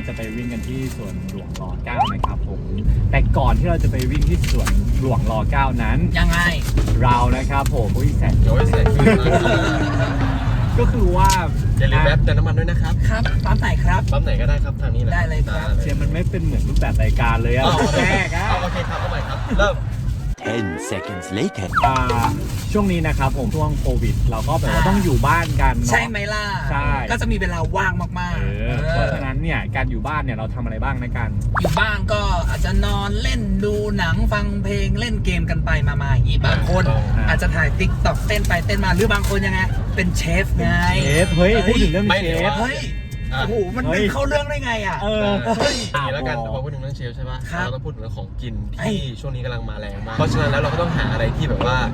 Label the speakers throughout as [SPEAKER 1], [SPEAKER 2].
[SPEAKER 1] จะไปวิ่งกันที่สวนหลวงร.9นะครับผมแต่ก่อนที่เราจะไปวิ่งที่สวนหลวงร.9นั้น
[SPEAKER 2] ยังไง
[SPEAKER 1] เรานะครับผมแสน
[SPEAKER 3] โอ้ยแสน
[SPEAKER 1] ก็คือว่า
[SPEAKER 3] อย่าลืมแวะเติมน้ำมันด้วยนะครับ
[SPEAKER 2] ครับปั๊มไหนครับ
[SPEAKER 3] ปั๊มไหนก็ได้ครับทางนี้แหละ
[SPEAKER 2] ได้เลยครับ
[SPEAKER 1] เชียร์มันไม่เป็นเหมือนรูปแบบรายการเลยอะแรกอะ
[SPEAKER 3] โอเคครับเอาใหม่ครับเริ่ม
[SPEAKER 4] 10 seconds later
[SPEAKER 1] ช่วงนี้นะครับผมช่วงโควิดเราก็แบบว่าต้องอยู่บ้านกัน
[SPEAKER 2] ใช่ไหมล่ะ
[SPEAKER 1] ใช่
[SPEAKER 2] ก็จะมีเวลาว่างมาก
[SPEAKER 1] ๆเพราะฉะนั้นเนี่ยการอยู่บ้านเนี่ยเราทำอะไรบ้างในการ
[SPEAKER 2] อยู่บ้านก็อาจจะนอนเล่นดูหนังฟังเพลงเล่นเกมกันไปมาอย่างนี้บางคนอาจจะถ่ายติ๊กต็อกเต้นไปเต้นมาหรือบางคนยังไงเป็นเชฟไง
[SPEAKER 1] เชฟเฮ้ยพูดถึงเรื่องเชฟ
[SPEAKER 2] เฮ้ยโอ้โหมันเป็นเข้าเรื่องได้ไงอ่ะ
[SPEAKER 3] นี่แล้วกันพอพูดถึงเรื่องเชฟใช่ป่ะเราต้องพูดถึงเรื่องของกินที่ช่วงนี้กำลังมาแรงมากเพราะฉะนั้นแล้วเราก็ต้องหาอะไรที่แบบว่า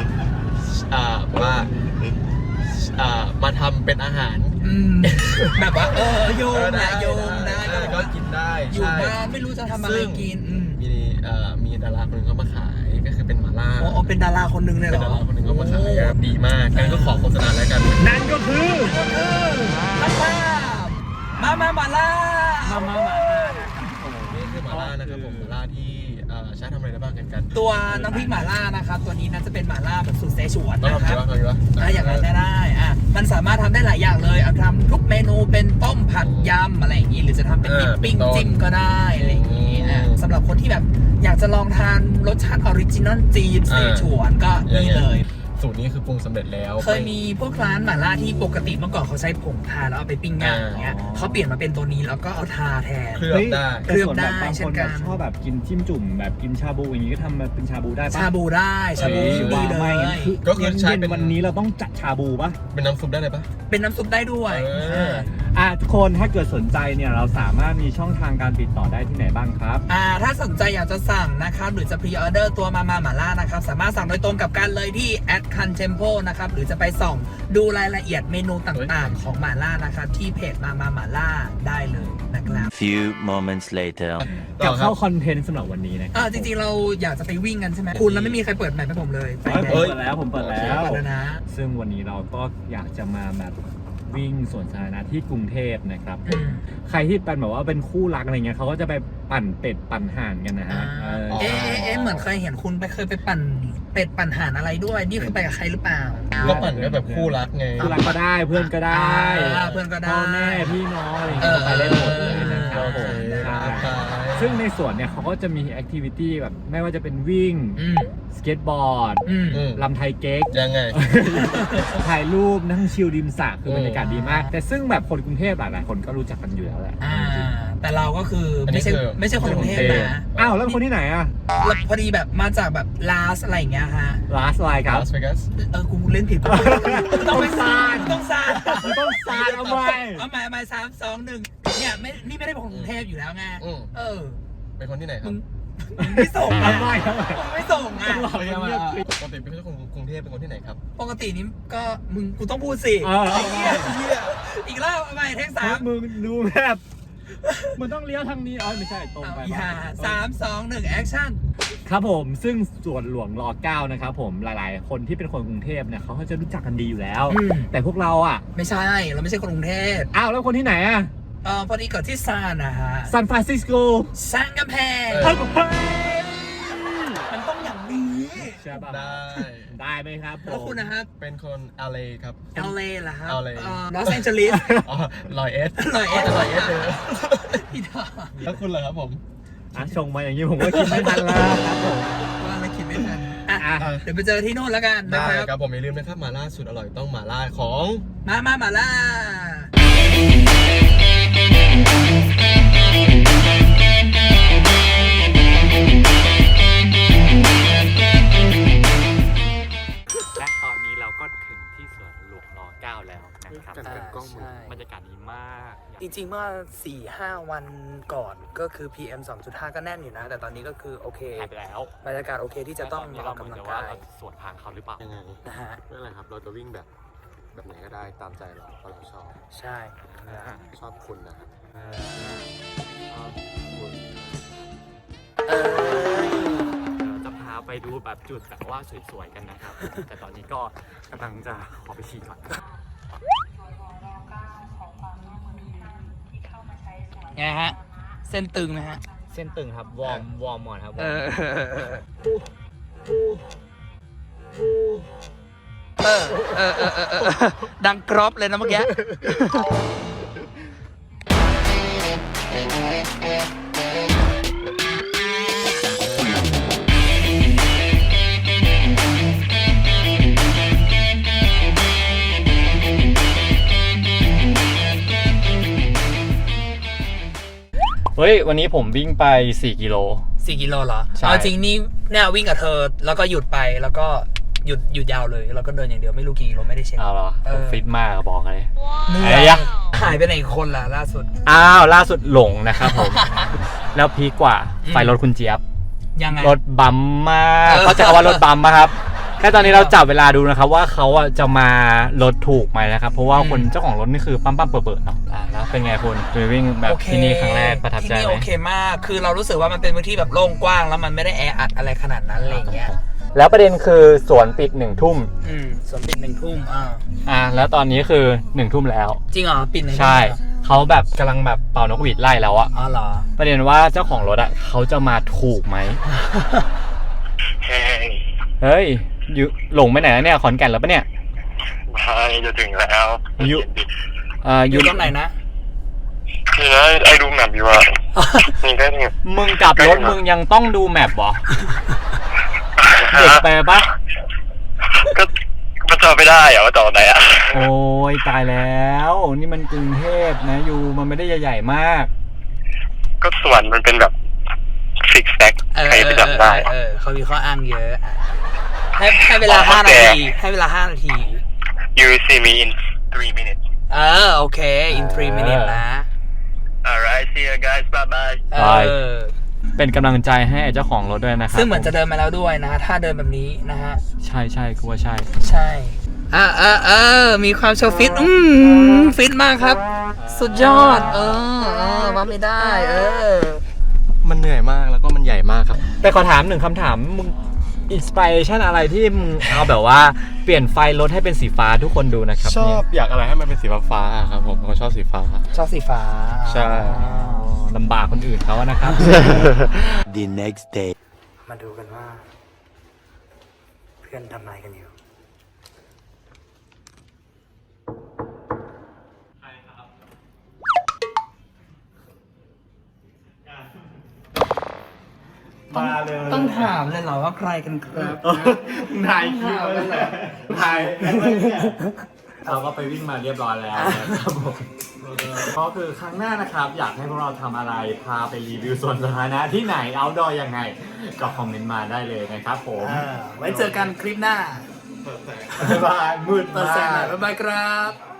[SPEAKER 3] มาทำเป็นอาหาร
[SPEAKER 2] แบบว่าโยมนะ
[SPEAKER 3] ก็กินได้
[SPEAKER 2] อยู่บ้านไม่รู้จะทำอะไรกิน
[SPEAKER 3] มีดาราคนนึงเขามาขายก็คือเป็นหม่าล่า
[SPEAKER 2] เป็นดาราคนนึงเลยเหรอ
[SPEAKER 3] เป็นดาราคนนึงเขามาขายดีมากงั้นก็ขอโฆษณาแล้วกัน
[SPEAKER 1] นั่นก็คือ
[SPEAKER 2] มาหม่าล่า
[SPEAKER 3] นี่คือหม่าล่านะครับผมหม่าล่าที่ใช้ทำอะไรได้บ้างกัน
[SPEAKER 2] ตัวน้ำพริกหม่าล่านะครับตัวนี้น่าจะเป็นหม่าล่าแบบสูตรเซฉวน
[SPEAKER 3] นะครับ
[SPEAKER 2] อย่างนั้นได้มันสามารถทำได้หลายอย่างเลยเอาทำทุกเมนูเป็นต้มผัดยำอะไรอย่างนี้หรือจะทำเป็นดิปปิ้งจิ้มก็ได้อะไรอย่างนี้สำหรับคนที่แบบอยากจะลองทานรสชาติออริจินอลจีนเซฉวนก็นี่เลย
[SPEAKER 3] สูตรนี้คือปรุงสำเร็จแล้ว
[SPEAKER 2] เคยมีพวกร้านหม่าล่าที่ปกติเมื่อก่อนเขาใช้ผงทาแล้วเอาไปปิ้งย่างอย่างเงี้ยเขาเปลี่ยนมาเป็นตัวนี้แล้วก็เอาทาแทน
[SPEAKER 3] เคลือบ
[SPEAKER 1] ได้บางคนชอบแบบกินจิ้มจุ่มแบบกินชาบูอย่างงี้ก็ทำมาเป็นชาบูได้ปะ
[SPEAKER 2] ชาบูได้ชาบูดีเลย
[SPEAKER 1] ก็คือใช้เป็นวันนี้เราต้องจัดชาบูปะ
[SPEAKER 3] เป็นน้ำซุปได้เลยปะ
[SPEAKER 2] เป็นน้ำซุปได้ด้วย
[SPEAKER 1] ทุกคนถ้าเกิดสนใจเนี่ยเราสามารถมีช่องทางการติดต่อได้ที่ไหนบ้างครับ
[SPEAKER 2] ถ้าสนใจอยากจะสั่งนะครับหรือจะพรีออเดอร์ตัวมาหม่าล่านะครับสามารถสั่งโดยตรงกับกันเลยที่@Contempo นะครับหรือจะไปส่องดูรายละเอียดเมนูต่างๆของหม่าล่านะครับที่เพจมาหม่าล่าได้เลยนะครับ
[SPEAKER 4] Few moments later
[SPEAKER 1] กับเข้าคอนเทนต์สำหรับวันนี้นะ
[SPEAKER 2] จริงๆเราอยากจะไปวิ่งกันใช่ไหมคุณแล้วไม่มีใครเปิดแมปให้ผมเลย
[SPEAKER 1] ผมเปิดแล้วนะซึ่งวันนี้เราก็อยากจะมาแบบวิ่งสวนสาธารณะที่กรุงเทพนะครับใครที่เป็นแบบว่าเป็นคู่รักอะไรเงี้ยเขาก็จะไปปั่นเป็ดปั่นห่านกันนะฮะ
[SPEAKER 2] เหมือนเคยเห็นคุณเคยไปปั่นเป็ดปั่นห่านอะไรด้วยนี่คือไปกับใครหรือเปล่า
[SPEAKER 3] ก็ปั่นก็แบบคู่รักไง
[SPEAKER 1] คู่รักก็ได้เพื่อนก็ได้
[SPEAKER 2] เพื่อนก็ได้
[SPEAKER 1] พ่อแม่พี่น้องอะไรเงี้ยไปได้หมดเลยนะครับผมซึ่งในสวนเนี่ยเขาก็จะมีแอคทิวิตี้แบบไม่ว่าจะเป็นวิ่งสเก็ตบอร์ดลำไทยเก๊ก
[SPEAKER 3] ยังไง
[SPEAKER 1] ถ่ายรูปนั่งชิลริมสระคือบรรยากาศดีมากแต่ซึ่งแบบคนกรุงเทพหลายคนก็รู้จักกันอยู่แล้วแหละ
[SPEAKER 2] แต่เราก็คือไม่ใช่คนกรุงเทพนะ
[SPEAKER 1] แล้วคนที่ไหน
[SPEAKER 2] พอดีแบบมาจากแบบลาสอะไรอย่างเงี้ยฮะ
[SPEAKER 1] ลาสอะไรครับ
[SPEAKER 3] ลาสเวกัส
[SPEAKER 2] กูเล่นผิดต้องไปซาน
[SPEAKER 1] เอาใ
[SPEAKER 2] หม่3 2 1เนี่ยนี่ไม่ได้เป็นคนกรุงเทพอยู่แล้วไง
[SPEAKER 3] เป็นคนที่ไหนครับ
[SPEAKER 2] ไม่ส่งไม่ส่ง
[SPEAKER 3] ปกติเป็นคนกรุงเทพเป็นคนที่ไหนครับ
[SPEAKER 2] ปกตินี้ก็กูต้องพูดสิอีกรอบใหม่เทค3
[SPEAKER 1] มึงดูแบบมันต้องเลี้ยวทางนี้ไม่ใช่ตรงไป
[SPEAKER 2] 3 2 1แอคชั่น
[SPEAKER 1] ครับผมซึ่งสวนหลวงร.9นะครับผมหลายๆคนที่เป็นคนกรุงเทพเนี่ยเขาจะรู้จักกันดีอยู่แล้วแต่พวกเรา
[SPEAKER 2] ไม่ใช่เราไม่ใช่คนกรุงเทพ
[SPEAKER 1] แล้วคนที่ไหน
[SPEAKER 2] พอดีเกิดที่ซานนะฮะ
[SPEAKER 1] ซานฟรานซิสโก
[SPEAKER 2] ซานกำแพงมันต้องอย่างนี้
[SPEAKER 1] ใช่ป่ะได้ไหมครับ
[SPEAKER 2] แล้วคุณนะครับ
[SPEAKER 3] เป็นคน LA ครับ
[SPEAKER 2] LA เหรอครับ
[SPEAKER 3] LA
[SPEAKER 2] ลอสแองเจลิส
[SPEAKER 3] ลอยเอส
[SPEAKER 2] เลย
[SPEAKER 3] แล้วคุณเหรอครับผม
[SPEAKER 1] ชงมาอย่างนี้ผมก็คิดไม่ทันแล้วครับผม
[SPEAKER 2] ว่าอะไรคิดไม่ทันเดี๋ยวไปเจอที่โน่นแล้วกัน
[SPEAKER 3] นะครับผมอย่าลืมนะครับหม่าล่าสุดอร่อยต้องหม่าล่าของ
[SPEAKER 2] หม่าล่า
[SPEAKER 1] และตอนนี้เราก็ถึงที่สวนหลวงร.9แล้วนะครับบรรยากาศดีมาก
[SPEAKER 2] จริงๆเมื่อ 4-5 วันก่อนก็คือ PM 2.5 ก็แน่นอยู่นะแต่ตอนนี้ก็คือโอเค
[SPEAKER 1] แล้ว
[SPEAKER 2] บรรยากาศโอเคที่จะต้องออกกำลังกาย
[SPEAKER 1] สวนทางเขาหรือเปล่า
[SPEAKER 3] ยังไงนะฮะไม่เป็นไรครับเราจะวิ่งแบบไหนก็ได้ตามใจเราเพราะเราชอบ
[SPEAKER 2] ใช่
[SPEAKER 3] ชอบคุณนะครับ
[SPEAKER 1] จะพาไปดูแบบจุดแบบว่าสวยๆกันนะครับแต่ตอนนี้ก็กำลังจะขอไปฉี่ก่อน
[SPEAKER 2] ไงฮะ เส้นตึงไหมฮะ
[SPEAKER 1] เส้นตึงครับ วอร์มหมดครับ
[SPEAKER 2] ดังกรอบเลยนะเมื่อกี้
[SPEAKER 1] เฮ้ย วันนี้ผมวิ่งไป 4 กิโล
[SPEAKER 2] 4 กิโลเหรอ
[SPEAKER 1] ใช่
[SPEAKER 2] เอาจริงนี่เนี่ยวิ่งกับเธอแล้วก็หยุดไปแล้วก็หยุดยาวเลยแล้วก็เดินอย่างเดียวไม่รู้กี่กิโลไม่ได้เช็ค
[SPEAKER 1] เอาเหรอ ฟิตมากอะบอกเลย
[SPEAKER 2] เหนื่
[SPEAKER 1] อะไร
[SPEAKER 2] อย
[SPEAKER 1] อะ
[SPEAKER 2] หายไปไหนอีกคนล่ะล่าสุด
[SPEAKER 1] อ้าว ล่าสุดหลงนะครับผม แล้วพีคกว่า ไฟรถคุณเจี๊ยบ
[SPEAKER 2] ยังไง
[SPEAKER 1] รถบัมมากเขาจะคำว่ารถบัมปะครับ แค่ตอนนี้เราจับเวลาดูนะครับว่าเขาอะจะมารถถูกไหมนะครับ เพราะว่าคนเจ้าของรถนี่คือปั๊มเปิดๆเนาะแล้วเป็นไงคุณไปวิ่งแบบ
[SPEAKER 2] โอเค
[SPEAKER 1] ที่นี่ครั้งแรกประทับใจ
[SPEAKER 2] ที่นี่
[SPEAKER 1] ไหม
[SPEAKER 2] โอเคมาก คือเรารู้สึกว่ามันเป็นพื้นที่แบบโล่งกว้างแล้วมันไม่ได้แออัดอะไรขนาดนั้นอะไรอย่างเงี้ย
[SPEAKER 1] แล้วประเด็นคือสวนปิด1 ทุ่ม
[SPEAKER 2] สวนปิด1 ทุ่ม
[SPEAKER 1] แล้วตอนนี้คือ1 ทุ่มแล้ว
[SPEAKER 2] จริงเหรอปิด1 ทุ่ม
[SPEAKER 1] ใช่เขาแบบกำลังแบบเป่านกหวีดไล่แล้วอะ
[SPEAKER 2] อ๋อเหรอ
[SPEAKER 1] ประเด็นว่าเจ้าของรถอะเขาจะมาถูกไหม เฮ้ยอยู่หลงไปไหนแล้วเนี่ยขอนแก่นแล้วปะเนี่ย
[SPEAKER 5] ไม่จะถึงแล้ว
[SPEAKER 1] อยู่
[SPEAKER 2] อยู่ตรงไหนนะ
[SPEAKER 5] คือนะไอ้ดูแมปอยู่อะนี่ก็ถึง
[SPEAKER 1] มึงกลับรถมึงยังต้องดูแมปเหรอ เด็กไปปะ
[SPEAKER 5] ก็จอไม่ได้อะว่าจอไหนอะ
[SPEAKER 1] โอ้ยตายแล้ว นี่มันกรุงเทพนะอยู่มันไม่ได้ใหญ่ๆมาก
[SPEAKER 5] ก็ส่วนมันเป็นแบบฟิกแซกใครไปจำได้
[SPEAKER 2] เขามีข้ออ้างเยอะให้เวลา5 นาทีให้เวลา5 นาที
[SPEAKER 5] You see me in 3 minutes
[SPEAKER 2] โอเค in 3 minutes นะ
[SPEAKER 5] Alright see you guys bye bye
[SPEAKER 1] เป็นกำลังใจให้เจ้าของรถด้วยนะครับ
[SPEAKER 2] ซึ่งเหมือนจะเดินมาแล้วด้วยนะฮะถ้าเดินแบบนี้นะฮะ
[SPEAKER 1] ใช่กูว่าใช่
[SPEAKER 2] ใช่มีความโชว์ฟิตฟิตมากครับ สุดยอดว่าไม่ได้
[SPEAKER 3] มันเหนื่อยมากแล้วก็มันใหญ่มากครับ
[SPEAKER 1] แต่ขอถาม1 คำถามมึงอินสปิเรชันอะไรที่มึงเอาแบบว่าเปลี่ยนไฟรถให้เป็นสีฟ้าทุกคนดูนะครับ
[SPEAKER 3] ชอบอยากอะไรให้มันเป็นสีฟ้าๆครับผมชอบสีฟ้า
[SPEAKER 2] ชอบสีฟ้า
[SPEAKER 3] ใช่
[SPEAKER 1] ลำบากคนอื่นเขาอะนะครับ
[SPEAKER 4] The next day.
[SPEAKER 2] มาดูกันว่า เพื่อนทำอะไรกันอยู่ต้องถามเลยเหรอว่าใครกันครับ
[SPEAKER 1] ถ่ายคลิปไว้เลยถ่ายเราก็ไปวิ่งมาเรียบร้อยแล้วนะครับผมก็คือครั้งหน้านะครับ อยากให้พวกเราทำอะไรพาไปรีวิวสวนสาธารณะที่ไหนเอาท์ดอร์ยังไงก็คอมเมนต์มาได้เลยนะครับผม
[SPEAKER 2] ไว้เจอกันคลิปหน้า
[SPEAKER 1] บ๊ายบายมืด
[SPEAKER 2] เปิด
[SPEAKER 1] มา
[SPEAKER 2] แสงหน่อย
[SPEAKER 1] ก
[SPEAKER 2] บ๊ายบายครับ